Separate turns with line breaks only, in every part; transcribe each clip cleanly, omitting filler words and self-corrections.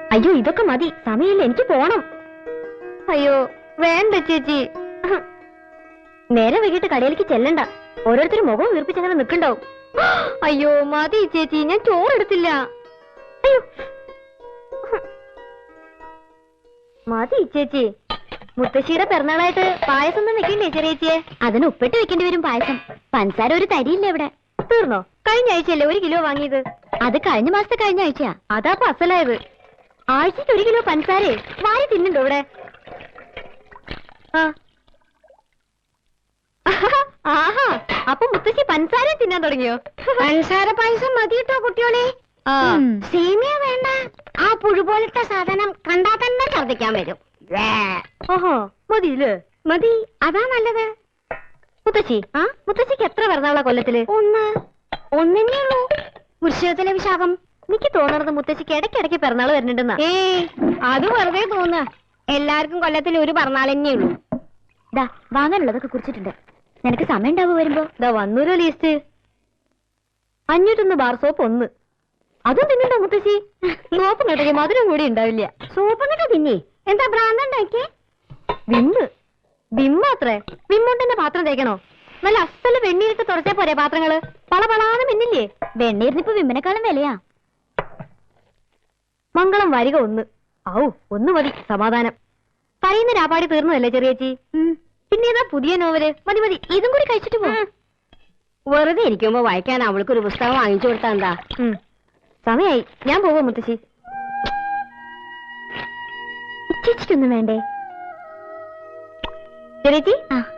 അയ്യോ ഇതൊക്കെ മതി, സമയമില്ല, എനിക്ക് പോണം. അയ്യോ വേണ്ട ചേച്ചി, നേരെ വൈകിട്ട് കടയിലേക്ക് ചെല്ലണ്ട. ഓരോരുത്തരും മുഖം വീർപ്പിച്ചങ്ങനെ നിൽക്കണ്ടാവും. അയ്യോ മതി ചേച്ചി, ഞാൻ ചോറെടുത്തില്ല. അയ്യോ മതി ചേച്ചി. മുത്തശ്ശിയുടെ പിറന്നാളായിട്ട് പായസം ഒന്നും വെക്കണ്ടേ ചെറിയേച്ചിയെ? അതിന് ഉപ്പിട്ട് വെക്കേണ്ടി വരും പായസം. പഞ്ചസാര ഒരു തരിയില്ല ഇവിടെ. തീർന്നോ? കഴിഞ്ഞ ആഴ്ചയല്ലേ 1 കിലോ വാങ്ങിയത്? അത് കഴിഞ്ഞ മാസത്തെ കഴിഞ്ഞ ആഴ്ചയാ. അതാ അസലായത്. ആഴ്ചക്ക് 1 കിലോ പഞ്ചസാരേ വാരി തിന്നുണ്ടോ ഇവിടെ? ആഹാ, അപ്പൊ മുത്തശ്ശി പഞ്ചസാര തിന്നാൻ തുടങ്ങിയോ? പഞ്ചസാര പായസം മതി കേട്ടോ കുട്ടിയോളെ. സേമിയ വേണ്ട. ആ പുഴു പോലത്തെ സാധനം കണ്ടാ തന്നെ ഛർദ്ദിക്കാൻ വരും. ഓഹോ മതിയില്ലേ? മതി, അതാ നല്ലത്. മുത്തശ്ശി, മുത്തശ്ശിക്ക് എത്ര പിറന്നാളാ കൊല്ലത്തില്? ഒന്നേ ഉള്ളൂ. വൃശ്ചികത്തിലെ വിശാഖം. എനിക്ക് തോന്നണത് മുത്തശ്ശിക്ക് ഇടയ്ക്കിടയ്ക്ക് പിറന്നാൾ വരുന്നുണ്ടെന്നാ. അത് വെറുതെ തോന്നുക. എല്ലാവർക്കും കൊല്ലത്തിൽ ഒരു പിറന്നാൾ തന്നെ ഉള്ളൂ. ദാ വാങ്ങാനുള്ളതൊക്കെ കുറിച്ചിട്ടുണ്ട്. നിനക്ക് സമയം ഉണ്ടാവും വരുമ്പോ? ദാ വന്നൂരോ ലീസ്റ്റ്. 501 bar soap 1. അതും തിന്നണ്ടോ മുത്തശ്ശി? സോപ്പ് കേട്ടെങ്കിൽ മധുരം കൂടി ഉണ്ടാവില്ല. സോപ്പ് എന്നിട്ട് തിന്നേ? എന്താ ഭ്രാന്തണ്ടാക്കിയേ? വിമ്മ്. വിമ്മാത്രേ. വിമ്മോണ്ടിന്റെ പാത്രം തേക്കണോ? നല്ല അസല് വെണ്ണീരിട്ട് തുടച്ചേ പോരെ പാത്രങ്ങള്? പളപളാന്ന് മിന്നില്ലേ? വെണ്ണീരിനിപ്പോ വിമ്മിനെക്കാളും വിലയാ. മംഗളം വരിക 1. ഔ 1 മതി, സമാധാനം. പറയുന്ന രാപാടി തീർന്നതല്ലേ ചെറിയേച്ചി? പിന്നേതാ പുതിയ നോവല്? മതി മതി, ഇതും കൂടി കഴിച്ചിട്ട് പോ. വെറുതെ ഇരിക്കുമ്പോ വായിക്കാൻ അവൾക്കൊരു പുസ്തകം വാങ്ങിച്ചു കൊടുത്താ എന്താ? സമയായി, ഞാൻ പോവാ മുത്തശ്ശി. ചേച്ചിക്കൊന്നും വേണ്ടേ ചെറിയേച്ചി?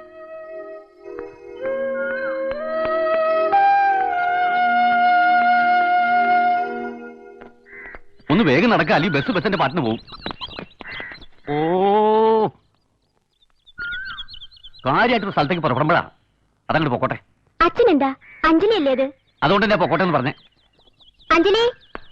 ഒന്ന് വേഗം നടക്കുക, അല്ലെങ്കിൽ ബസ്സിന്റെ പാട്ടിന് പോകും. ഓ കാര്യമായിട്ടൊരു സ്ഥലത്തേക്ക് പുറപ്പെടുമ്പോഴാ. അതങ്ങോട്ട് പൊക്കോട്ടെ.
അച്ഛനെന്താ? അഞ്ജലി അല്ലേ അത്?
അതുകൊണ്ട് തന്നെ പൊക്കോട്ടെ എന്ന് പറഞ്ഞേ.
അഞ്ജലി,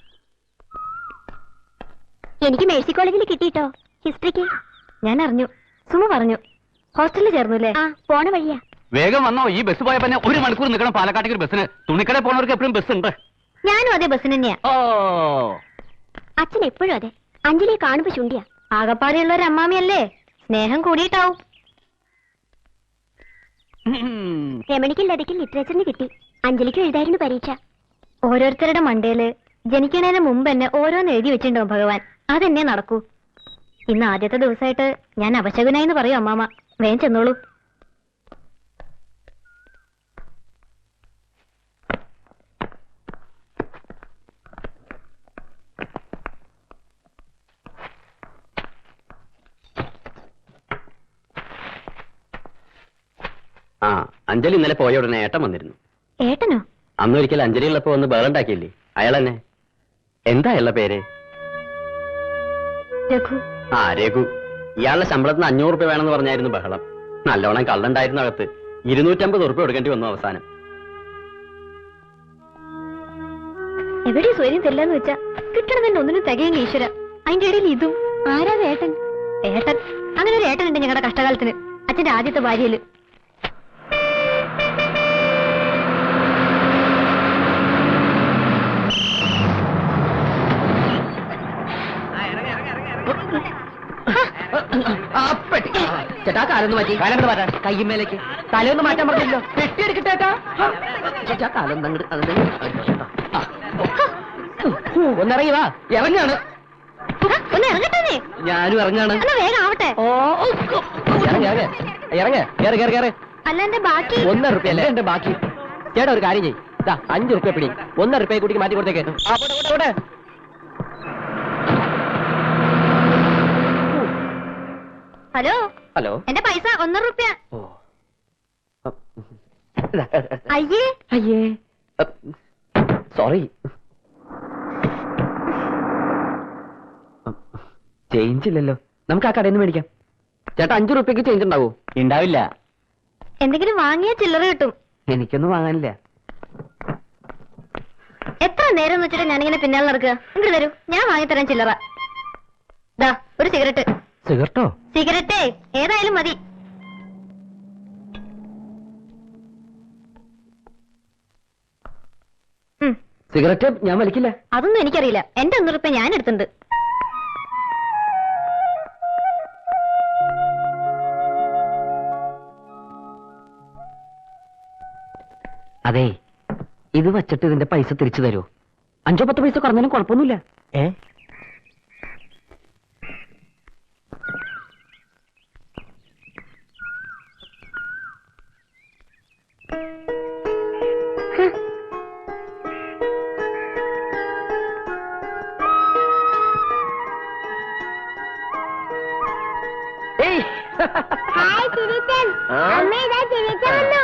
എനിക്ക് മേഴ്സി കോളേജിൽ കിട്ടിട്ടോ ഹിസ്റ്ററിക്ക്. ഞാൻ അറിഞ്ഞു, സുമ പറഞ്ഞു. ഹോസ്റ്റലിൽ ചേർന്നുല്ലേ? പോണ വഴിയാ.
വേഗം വന്നോ, ഈ ബസ് പോയപ്പോ 1 മണിക്കൂർ നിൽക്കണം പാലക്കാട്ടേക്ക് ഒരു ബസ്സിന്. തുണിക്കടയിൽ പോണവർക്ക് എപ്പോഴും ബസ് ഉണ്ട്.
ഞാനും അതേ ബസ്സിന് തന്നെയാ.
ഓ
അച്ഛൻ എപ്പോഴും അതെ. അഞ്ജലിയെ കാണുമ്പോ ചുണ്ടിയാ. ആകപ്പാടെയുള്ള ഒരു അമ്മാമിയല്ലേ, സ്നേഹം കൂടിയിട്ടാവും. രമണിക്ക് ലതയ്ക്ക് ലിറ്ററേച്ചറിന് കിട്ടി. അഞ്ജലിക്ക് എഴുതായിരുന്നു പരീക്ഷ. ഓരോരുത്തരുടെ മണ്ടയില് ജനിക്കണേന് മുമ്പ് തന്നെ ഓരോന്ന് എഴുതി വെച്ചിട്ടുണ്ടാവും ഭഗവാൻ. അതെന്നെ നടക്കൂ. ഇന്ന് ആദ്യത്തെ ദിവസമായിട്ട് ഞാൻ അപശകുനായിന്ന് പറയൂ അമ്മാമ. വേഗം ചെന്നോളൂ.
അഞ്ജലി ഇന്നലെ പോയ ഉടനെ ഏട്ടൻ വന്നിരുന്നു.
ഏട്ടനോ?
അന്നൊരിക്കൽ അഞ്ജലി ഉള്ളപ്പോ ഒന്ന് ബേറുണ്ടാക്കിയില്ലേ, അയാൾ തന്നെ. എന്താ അയാളുടെ പേര്?
രഘു.
രഘു. ഇയാളുടെ ശമ്പളത്തിന് 500 രൂപ വേണമെന്ന് പറഞ്ഞായിരുന്നു ബഹളം. നല്ലോണം കള്ളുണ്ടായിരുന്ന അകത്ത്. 250 രൂപ കൊടുക്കേണ്ടി വന്നു അവസാനം.
എവിടെ സ്വര്യം ചെല്ലാന്ന് വെച്ചാ കിട്ടണമെന്ന് ഒന്നിനും തികയില്ല ഈശ്വര. അതിന്റെ ഇടയിൽ ഇതും. ആരാ ഏട്ടൻ? ഏട്ടൻ, അങ്ങനെ ഒരു ഏട്ടനുണ്ട് ഞങ്ങളുടെ കഷ്ടകാലത്തിന്. അച്ഛന്റെ ആദ്യത്തെ ഭാര്യയില്.
ചേട്ടാ കാലൊന്ന് മാറ്റി. കാലൊന്ന് മാറ്റാൻ കയ്യുമേലേക്ക് തലയൊന്ന് മാറ്റാൻ പറഞ്ഞല്ലോ. പെട്ടിയെടുക്കട്ടേട്ടാ. ചേട്ടാ കാലൊന്ന് ഒന്നിറങ്ങി വാ. ഇറങ്ങാണ്.
ഒന്ന് ഇറങ്ങട്ടെ.
ഞാനും ഇറങ്ങാണ്.
വേഗം ആവട്ടെ. അല്ല എന്റെ ബാക്കി
1 രൂപ അല്ലേ എന്റെ ബാക്കി. ചേട്ടാ ഒരു കാര്യം ചെയ്യും. 5 രൂപ പിടി. 1 രൂപയെ കൂട്ടിക്ക് മാറ്റി കൊടുത്തേക്ക്.
ഹലോ
ഹലോ,
എന്റെ പൈസ 1 രൂപ. അയ്യേ
അയ്യേ സോറി. ചേഞ്ച് ഇല്ലല്ലോ. നമുക്ക് ആ കടയിൽ നിന്ന് മേടിക്കാം. ചേട്ടാ 5 രൂപയ്ക്ക് ചേഞ്ച് ഉണ്ടാവോ? ഉണ്ടാവില്ല.
എന്തെങ്കിലും വാങ്ങിയ ചില്ലറ കിട്ടും.
എനിക്കൊന്നും വാങ്ങാനില്ല.
എത്ര നേരം എന്ന് വെച്ചിട്ട് ഞാനിങ്ങനെ പിന്നാലെ നടക്കുക. ഇങ്ങോട്ട് തരൂ, ഞാൻ വാങ്ങിത്തരാൻ ചില്ലറ. ദാ ഒരു സിഗരറ്റ്.
സിഗരറ്റോ?
സിഗരറ്റേ ഏതായാലും മതി.
സിഗരറ്റ് ഞാൻ വലിക്കില്ല.
അതൊന്നും എനിക്കറിയില്ല. എന്റെ 1 രൂപ ഞാൻ എടുത്തിട്ടുണ്ട്.
അതെ, ഇത് വച്ചിട്ട് ഇതിന്റെ പൈസ തിരിച്ചു തരൂ. 5-10 പൈസ കുറഞ്ഞാലും കുഴപ്പമൊന്നുമില്ല.
ഹായ് ചിരിച്ചൻ. അമ്മ ഇതാ ചിരിച്ചൻ വന്നു.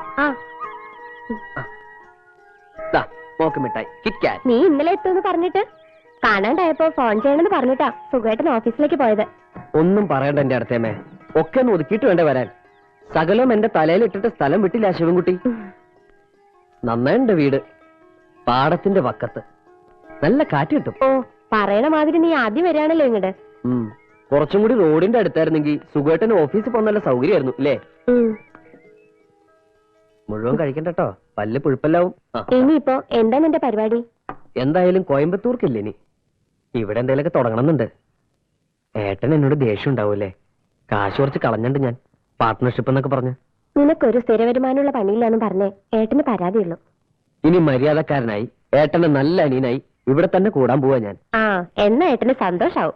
മിഠായി കിറ്റ്കാറ്റ്.
നീ ഇന്നലെ എത്തുമെന്ന് പറഞ്ഞിട്ട് കാണാണ്ടായപ്പോ ഫോൺ ചെയ്യണമെന്ന് പറഞ്ഞിട്ടാ സുഖമായിട്ട് ഓഫീസിലേക്ക് പോയത്.
ഒന്നും പറയണ്ട എന്റെ അടുത്തേമേ, ഒക്കെ ഒന്ന് ഒതുക്കിയിട്ട് വേണ്ടേ വരാൻ. സകലം എന്റെ തലയിലിട്ടിട്ട് സ്ഥലം വിട്ടില്ല ശിവൻകുട്ടി. നന്നായിണ്ട് വീട്, പാടത്തിന്റെ വക്കത്ത്, നല്ല കാറ്റ് കിട്ടും.
ഓ, പറയണ മാതിരി നീ ആദ്യം വരികയാണല്ലോ ഇങ്ങോട്ട്.
കുറച്ചും കൂടി റോഡിന്റെ അടുത്തായിരുന്നെങ്കിൽ സുഖമായിട്ടന് ഓഫീസിൽ പോകാൻ നല്ല സൗകര്യമായിരുന്നു ഇല്ലേ? മുഴുവൻ കഴിക്കണ്ടോ, പല്ല് പുഴുപ്പല്ലാവും.
ഇനിയിപ്പോ എന്താ നിന്റെ പരിപാടി?
എന്തായാലും കോയമ്പത്തൂർക്കില്ല ഇനി, ഇവിടെ എന്തെങ്കിലുമൊക്കെ തുടങ്ങണമെന്നുണ്ട്. ഏട്ടൻ എന്നോട് ദേഷ്യം ഉണ്ടാവൂലേ? കാശ് കുറച്ച് കളഞ്ഞണ്ട് ഞാൻ, പാർട്ട്ണർഷിപ്പ് എന്നൊക്കെ പറഞ്ഞു.
നിനക്കൊരു സ്ഥിര വരുമാനമുള്ള പണിയില്ലാന്ന് പറഞ്ഞേ ഏട്ടന് പരാതിയുള്ളൂ.
ഇനി മര്യാദക്കാരനായി ഏട്ടന്റെ നല്ല അനിയനായി ഇവിടെ തന്നെ കൂടാൻ പോവാ ഞാൻ.
ആ, എന്നാ ഏട്ടന് സന്തോഷാവും.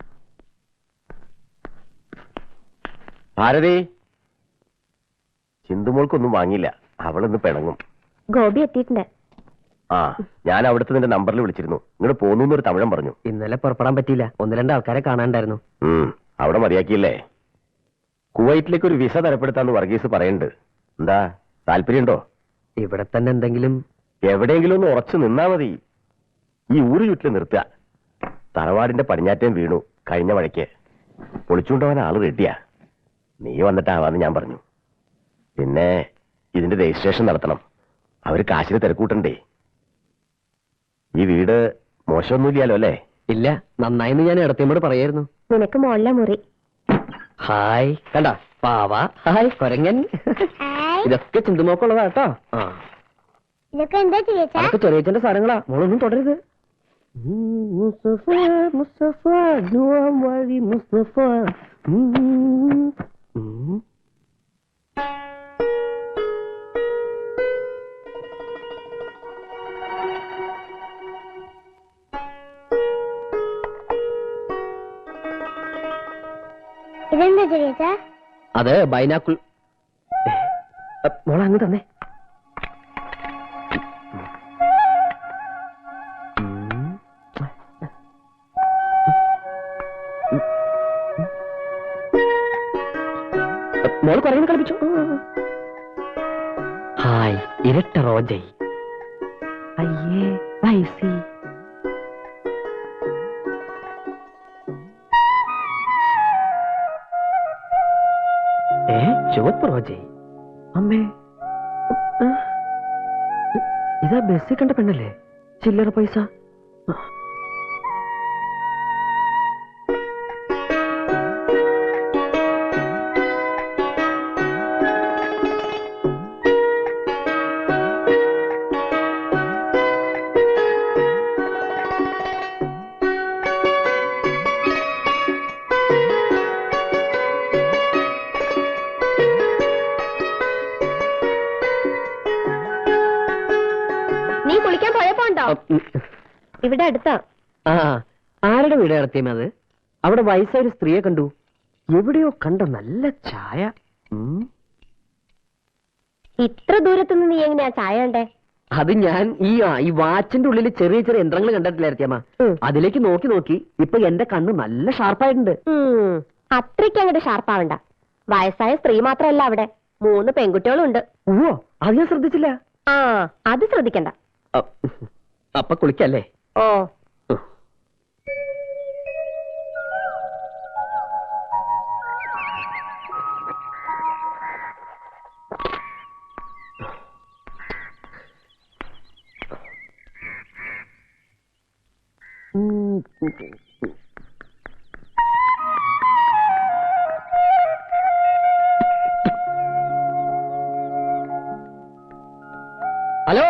ഭാരതി, ചിന്തുമോൾക്കൊന്നും വാങ്ങിയില്ല, അവളൊന്ന് പിണങ്ങും.
ഗോപി എത്തിയിട്ടുണ്ട്.
ആ, ഞാൻ അവിടുത്തെ നിന്റെ നമ്പറിൽ വിളിച്ചിരുന്നു. ഇങ്ങോട്ട് പോന്നു എന്നൊരു തമിഴൻ പറഞ്ഞു.
ഇന്നലെ പുറപ്പെടാൻ പറ്റിയില്ല, 1-2 ആൾക്കാരെ കാണാണ്ടായിരുന്നു.
അവിടെ മതിയാക്കിയില്ലേ? കുവൈറ്റിലേക്ക് ഒരു വിസ തരപ്പെടുത്താന്ന് വർഗീസ് പറയുന്നുണ്ട്. എന്താ, താല്പര്യമുണ്ടോ?
ഇവിടെ തന്നെ എന്തെങ്കിലും
എവിടെയെങ്കിലും ഒന്ന് ഉറച്ചു നിന്നാ മതി. ഈ ഊര് ചുറ്റിൽ നിർത്തുക. തറവാടിന്റെ പടിഞ്ഞാറ്റം വീണു കഴിഞ്ഞ മഴയ്ക്ക്, പൊളിച്ചുകൊണ്ടുപോകാൻ ആള് റെഡിയാ. നീ വന്നിട്ടാവാന്ന് ഞാൻ പറഞ്ഞു. പിന്നെ ഇതിന്റെ രജിസ്ട്രേഷൻ നടത്തണം, അവര് കാശിന് തിരക്കൂട്ടണ്ടേ. ഈ വീട് മോശമൊന്നുമില്ലല്ലോ അല്ലേ?
ഇല്ല, നന്നായിന്ന് ഞാൻ ഇടത്തിയമ്മോട് പറയായിരുന്നു.
നിനക്ക് മോളിലെ മുറി.
ഹായ്, കണ്ട പാവ. ഹായ് കൊരങ്ങൻ. ഇതൊക്കെ ചിന്തുമോക്കുള്ളതാ കേട്ടോ.
ഇതൊക്കെ എന്താ ചേച്ചാ?
അതൊക്കെ ചെറിയച്ഛന്റെ സാധനങ്ങളാ, മോളൊന്നും തുടരുത്. മുസ്തഫ മുസ്തഫ വഴി മുസ്തഫ.
ഇതെന്താ ചേച്ചാ?
അത് ബൈനാക്കുൾ. മോളെ അങ്ങ് തന്നെ. മോള് പറയുന്ന കളിപ്പിച്ചു. ഹായ്, ഇരട്ട റോജൈ. അയ്യേ വൈസി. ചുവപ്പ് റോജൈ. അമ്മേ, ഇതാ ബസ്സിൽ കണ്ട പെണ്ണല്ലേ? ചില്ലറ പൈസ.
നീ കുളിക്കാൻ പോയപ്പോ ഉണ്ടോ? ഇവിടെ അടുത്താ.
ആ, ആരുടെ വീട് നടത്തിയമേ അത്? അവിടെ വയസ്സായ ഒരു സ്ത്രീയെ കണ്ടു, എവിടെയോ കണ്ട നല്ല ചായ.
ഇത്ര ദൂരത്തുനിന്ന് നീ എങ്ങനെയാ ചായ കണ്ടേ?
അത് ഞാൻ ഈ വാച്ചിന്റെ ഉള്ളിൽ ചെറിയ ചെറിയ യന്ത്രങ്ങൾ കണ്ടിട്ടില്ലായിരിക്കമ്മ. അതിലേക്ക് നോക്കി നോക്കി ഇപ്പൊ എന്റെ കണ്ണ് നല്ല ഷാർപ്പായിട്ടുണ്ട്.
അത്രയ്ക്ക് അങ്ങോട്ട് ഷാർപ്പാവണ്ട. വയസ്സായ സ്ത്രീ മാത്രമല്ല, അവിടെ 3 പെൺകുട്ടികളും ഉണ്ട്.
ഓ, അത് ഞാൻ ശ്രദ്ധിച്ചില്ല.
ആ, അത് ശ്രദ്ധിക്കണ്ട.
അപ്പൊ കുളിക്കല്ലേ?
ഓ,
ഹലോ,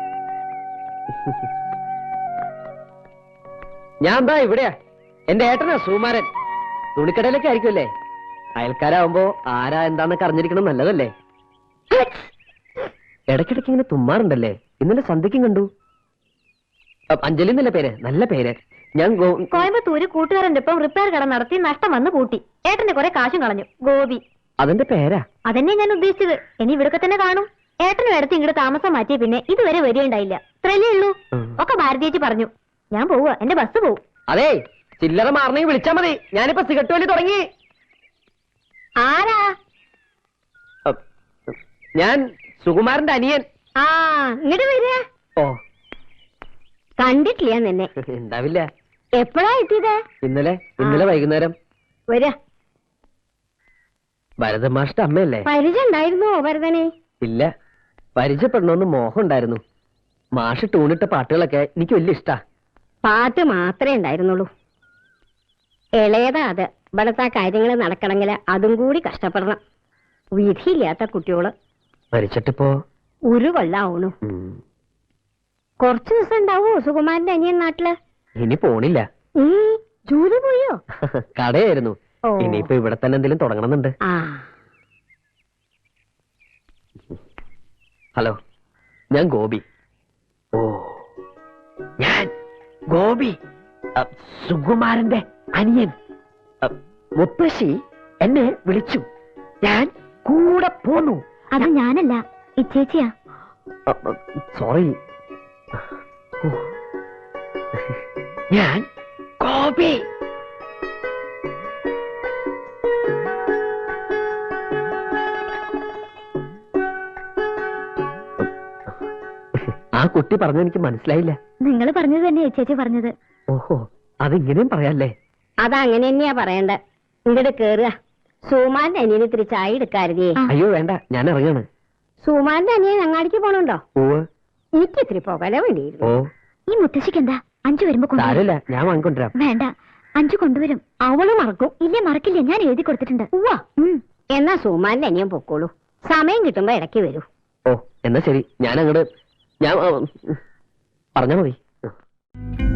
ഞാൻ എന്താ ഇവിടെയാ. എന്റെ ഏട്ടനാ സുകുമാരൻ. തുണിക്കടയിലൊക്കെ ആയിരിക്കുമല്ലേ? അയൽക്കാരാവുമ്പോ ആരാ എന്താന്നൊക്കെ അറിഞ്ഞിരിക്കണം, നല്ലതല്ലേ? ഇടയ്ക്കിടയ്ക്ക് ഇങ്ങനെ തുമ്മാറുണ്ടല്ലേ? ഇന്നലെ സന്ധ്യയ്ക്കും കണ്ടു. അഞ്ജലി എന്നല്ല പേര്, നല്ല പേര്. ഞാൻ
കോയമ്പത്തൂര് കൂട്ടുകാരന്റെ ഒപ്പം റിപ്പയർ കട നടത്തി നഷ്ടം വന്ന് കൂട്ടി. ഏട്ടന്റെ കുറെ കാശും കളഞ്ഞു. ഗോപി.
അതിന്റെ പേരാ?
അതന്നെ ഞാൻ ഉദ്ദേശിച്ചത്. ഇനി ഇവിടൊക്കെ തന്നെ കാണും. ഏട്ടനും എടുത്ത് ഇങ്ങോട്ട് താമസം മാറ്റിയ പിന്നെ ഇതുവരെ വരികയുണ്ടായില്ല. ഇത്രയല്ലേ ഉള്ളൂ. ഒക്കെ ഭാരതീയച്ചി പറഞ്ഞു. ഞാൻ പോവുക, എന്റെ ബസ് പോവും.
അതെ, ചില്ലറ മാറണമെങ്കിൽ വിളിച്ചാ മതി. ഞാനിപ്പോ സിഗരറ്റ് വലി തുടങ്ങി.
ആരാ?
ഞാൻ സുകുമാരന്റെ അനിയൻ.
ആ, ഇങ്ങോട്ട് വരിക.
ഓ,
കണ്ടിട്ടില്ല നിന്നെ.
ഉണ്ടാവില്ല.
എപ്പോഴാ എത്തിയത്?
ഇന്നലെ വൈകുന്നേരം.
വരാ.
ഭരതമാഷ്ട അമ്മയല്ലേ?
പരിചയം ഉണ്ടായിരുന്നോ ഭരതനെ?
ഇല്ല, പരിചയപ്പെടണമെന്ന് മോഹം ഉണ്ടായിരുന്നു. മാഷ് ടൂണിട്ട പാട്ടുകളൊക്കെ എനിക്ക് വലിയ ഇഷ്ടാ.
പാട്ട് മാത്രമേ ഉണ്ടായിരുന്നുള്ളൂ. ഇളയതാ അത്. ഇവിടത്തെ കാര്യങ്ങൾ നടക്കണമെങ്കിൽ അതും കൂടി കഷ്ടപ്പെടണം. വിധിയില്ലാത്ത കുട്ടിയോള്
മരിച്ചിട്ടിപ്പോ
ഒരു കൊല്ലാവണു. കുറച്ചു ദിവസം ഉണ്ടാവോ സുകുമാരന്റെ അനിയൻ നാട്ടില്?
ഇനി പോണില്ല.
ജോലി പോയോ?
കടയായിരുന്നു. ഇനിയിപ്പോ ഇവിടെ തന്നെ എന്തെങ്കിലും തുടങ്ങണമെന്നുണ്ട്. ഹലോ, ഞാൻ ഗോപി. ഓ, ഞാൻ ഗോപി, സുകുമാരന്റെ അനിയൻ. മുത്തശ്ശി എന്നെ വിളിച്ചു, ഞാൻ കൂടെ പോന്നു.
അത് ഞാനല്ല, ഇച്ചേച്ചിയാ.
സോറി. ഞാൻ ഗോപി. ആ കുട്ടി പറഞ്ഞെനിക്ക് മനസ്സിലായില്ല.
നിങ്ങൾ പറഞ്ഞത് തന്നെ ചേച്ചി പറഞ്ഞത്.
ഓഹോ, അതിങ്ങനെയും പറയാല്ലേ?
അതങ്ങനെ തന്നെയാ പറയണ്ടേ. ഇങ്ങോട്ട് കേറുക. സുമാന്റെ അനിയന് ഇത്തിരി ചായ എടുക്കാരുതേ.
അയ്യോ വേണ്ട, ഞാൻ ഇറങ്ങാണ്.
സുമാന്റെ അനിയൻ അങ്ങാടിക്ക് പോണുണ്ടോ? എനിക്ക് ഇത്തിരി പോകല
ഓ,
വേണ്ടിയിരുന്നു. ഈ മുത്തശ്ശിക്ക് എന്താ? അഞ്ചു വരുമ്പോ
സാരമില്ല, ഞാൻ വാങ്ങിക്കൊണ്ടിരാം.
വേണ്ട, അഞ്ചു കൊണ്ടുവരും. അവള് മറക്കും. ഇല്ല, മറക്കില്ല. ഞാൻ എഴുതി കൊടുത്തിട്ടുണ്ട്. എന്നാ സുമാന്റെ അനിയൻ പൊക്കോളൂ. സമയം കിട്ടുമ്പോ ഇടയ്ക്ക് വരൂ.
ഓ, എന്നാ ശരി. ഞാൻ അങ്ങോട്ട് പറഞ്ഞാ മതി.